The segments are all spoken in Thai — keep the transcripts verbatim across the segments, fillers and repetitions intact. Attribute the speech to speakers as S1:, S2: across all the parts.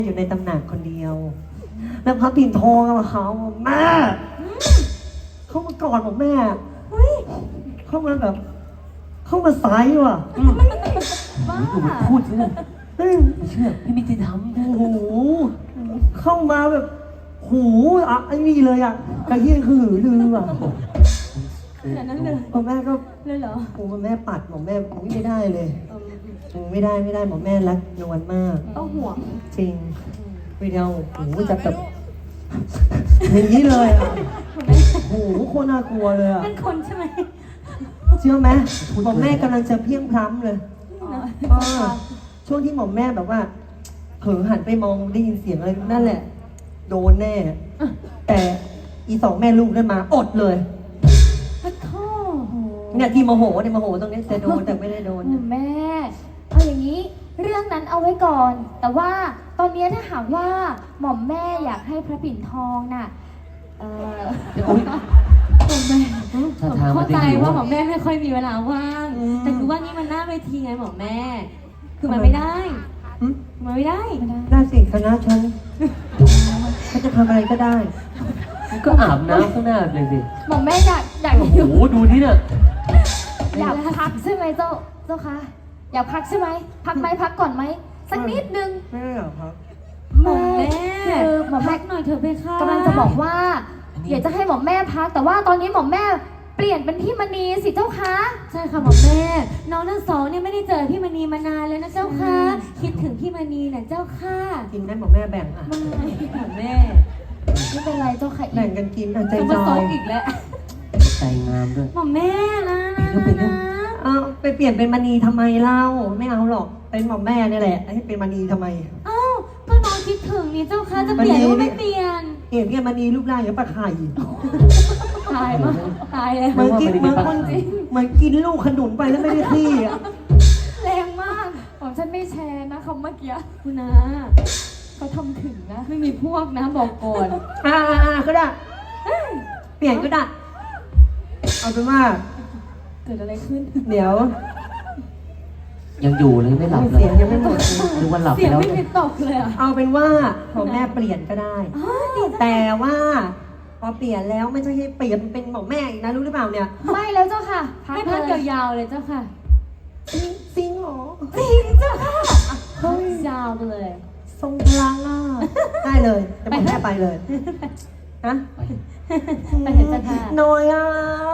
S1: อยู่ในตำหนักคนเดียวแล้วพระปิ่นทองมาเขาแม่เข้ามากอดบอกแม่เข้ามาแบบ เข้ามาไซส์ว่ะ
S2: บ้าพูดเชื่อไม่เชื่อพี่ไม่ได้ทำโอ้โห
S1: เข้ามาแบบหูอ่ะไอ้นี่เลยอ่ะกระเฮี้ยนคือหือลืออ่ะ
S2: ขนาดนั้นเลย
S1: หมอแม่ก็
S2: เลยเหรอ
S1: โอ้แม่ปัดหมอแม่ไม่ได้เลยไม่ได้ไม่ได้หมอแม่รักนวลมาก
S2: ต้องห่วง
S1: จริงวิดีโอโอ้จะแบบอย่างนี้เลยอ่ะโอ้โหโคตรน่ากลัวเลยอ่ะ
S2: เป็นคนใช่ไหม
S1: เชื่อไหมหมอแม่กำลังจะเพี้ยงพล้ำเลยช่วงที่หมอแม่แบบว่าเผลอหันไปมองได้ยินเสียงอะไรนั่นแหละโดนแน่แต่อีสองแม่ลูกได้มาอดเลย
S2: พระท่อ
S1: เนี่ยที่โมโหเนี่ยโมโหตรงนี้จะโดนแต่ไม่ได้โดน
S2: แม่เอาอย่างนี้เรื่องนั้นเอาไว้ก่อน แต่ว่าตอนนี้ถ้าหากว่าหม่อมแม่อยากให้พระปิ่นทองน่ะเออหม่อมแม่เข้าใจว่าหม่อมแม่ไม่ค่อยมีเวลาว่างแต่คือว่านี่มันหน้าเวทีไงหม่อมแม่คือมันไม่ได้มันไม่ได้
S1: ได้สิคณะฉันฉันจะทำอะไรก็ได้
S3: ก็อาบน้ำข้างหน้าเลยสิ
S2: หม่อมแม่อยากอยาก
S3: โอ้โหดูที่เนี่ย
S2: อยากพักใช่ไหมเจ้าเจ้าคะอยากพักใช่ไหมพักไหมพักก่อนไหมสักนิดนึง
S1: ไม่อยากพัก
S2: หม่อมแม่คือหม่อมแม่หน่อยเถอะเพคะกำลังจะบอกว่าอยากจะให้หม่อมแม่พักแต่ว่าตอนนี้หม่อมแม่เปลี่ยนเป็นพี่มณีสิเจ้าคะใช่ค่ะหม่อมแม่น้องทั้งสองเนี่ยไม่ได้เจอพี่มณีมานานเลยนะเจ้าค่ะคิดถึงพี่มณีน่ะเจ้าค่ะ
S1: กินได้หม่อมแม่แบ่งอ่ะ
S2: ไม่หม่อมแม่ไม่เป็นไรเจ้าค่ะ
S1: แบ่งกันกินใจจ
S2: อยอีกแล้ว
S3: ใจงามด้วย
S2: หม่อมแม่นะ
S1: นะเอาไปเปลี่ยนเป็นมณีทำไมเล่าไม่เอาหรอกเป็นหม่อมแม่นี่แหละให้เป็นมณีทำไม
S2: อ้าวก็น้องคิดถึงนี่เจ้าค่ะจะเปลี่ยนหรือไม่เปลี่ยน
S1: เปลี่ยนเนี่ยมณีรูปร่างอย่างปลาไข่
S2: ตายมากตายเลย
S1: เหมือนกินเหมือนคนจริงเหมือนกินลูกขนุนไปแล้วไม่ได้ขี้อ่ะ
S2: แรงมากผมฉันไม่แชร์นะคำเมื่อกี้คุณนะเขาทำถึงนะไม่มีพวกนะบอกก่อน
S1: อ่าอ่าก็ได้เปลี่ยนก็ได้เอาเป็นว่า
S2: เกิดอะไรขึ้น
S1: เดี๋ยว
S3: ยังอยู่เลยไม่หลับเลย
S1: เสียงยังไม่หมด
S3: ดูวันหลับ
S2: เสียงไม่มีตกเลย
S1: เอาเป็นว่าพอแม่เปลี่ยนก็ได้แต่ว่าพอเปลี่ยนแล้วไม่ใช่ให้เปลี่ยนเป็นหมอแม่อีกนะรู้หรือเปล่าเนี่ย
S2: ไม่แล้วเจ้าค่ะให้พักยาวๆเลยเจ้าค่ะ
S1: จริงเหรอ
S2: จริงเจ้าค่ะเฮ้ยยาวไปเลย
S1: ทรงพลังอ่ะได้เลยจะบอกแม่ไปเลยฮะ
S2: ไปเห็นเจ้าค่ะ
S1: น้อยอ่ะ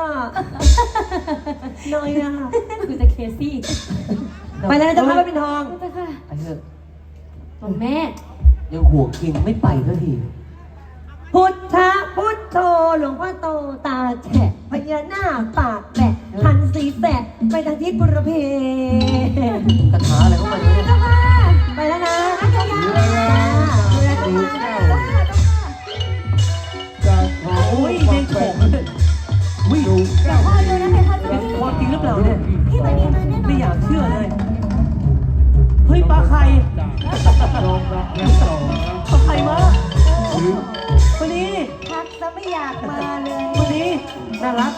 S1: น้อยอ่ะ
S2: คือจะเคซี่
S1: ไปแล้วจะพาไปเป็นทอง
S2: เจ้าค่ะ
S3: ไปเถอะ
S2: บอกแม่
S3: ยังห่วงกินไม่ไปสักที
S1: พุทธะพุทโธหลวงพ่อโตตาแฉะพญานาคปากแบะพันสีแสะไปทางทิศบุรเพ
S3: คาถาอะไรเข้ามาเนี่ย
S1: ไปแล้วนะ
S4: จากของ
S3: โอ้ยยังโฉมเลยวิ่ง
S2: แต่พ่อดูนะเพคะจะมี
S3: พ่อจริงหรือเปล่าเนี่ย
S2: พี่มานีมาแน่นอน
S3: ไม่อยากเชื่อเลยเฮ้ยปลาไข่ปลาไข่มาวันนี้
S1: พักจะไม่อยากมาเลย
S3: วันนี้น่ารัก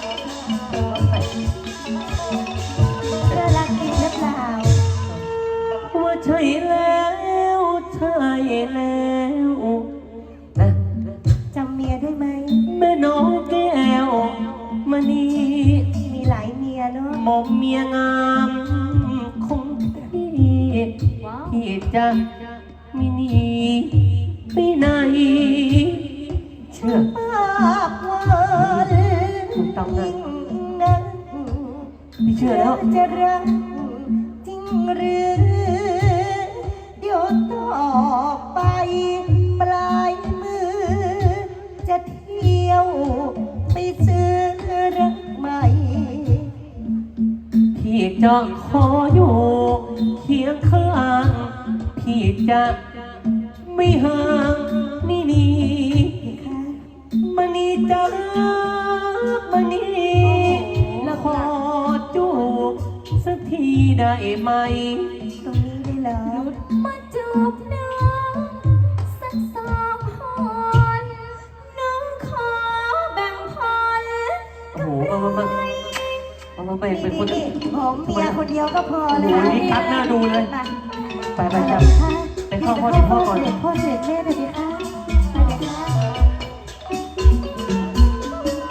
S1: น่ารักจริงหรือเปล่า
S3: ว่าใช่แล้วใช่แล้วนะ
S1: จำเมียได้ไหม
S3: แม่น้องแก้วมณี
S1: มีหลายเมียเนาะ
S3: หม่อมเมียงามของพี่พี่จะไม่หนีไปไหนเชื่อ
S1: ปากหวาน
S3: ถูกต้องนะ
S1: นั้น
S3: พี่เชื่อแล้ว
S1: จะรักจริงหรือเดี๋ยวต่อไปปลายมือจะเที่ยวไปซื้อรักใหม่
S3: พี่จะขออยู่เคียงข้างพี่จะไม่ห่างไม่หนีมันนี่จะมันนี่และขอจูบสักทีได้ไหม
S1: ตรงนี้ได้เหรอ
S2: มาจูบน้องสักสองคนน้องขอแบ่งพร
S3: โอ้โหมามามามามาแบ่งเป็นคน
S1: ผมเมียคนเดียวก็พอ
S3: เลยโอ้โหนี่คัดหน้าดูเลยไปไปจับไป
S2: พ่อเสด็จพ่อก่อน
S4: พ่อเส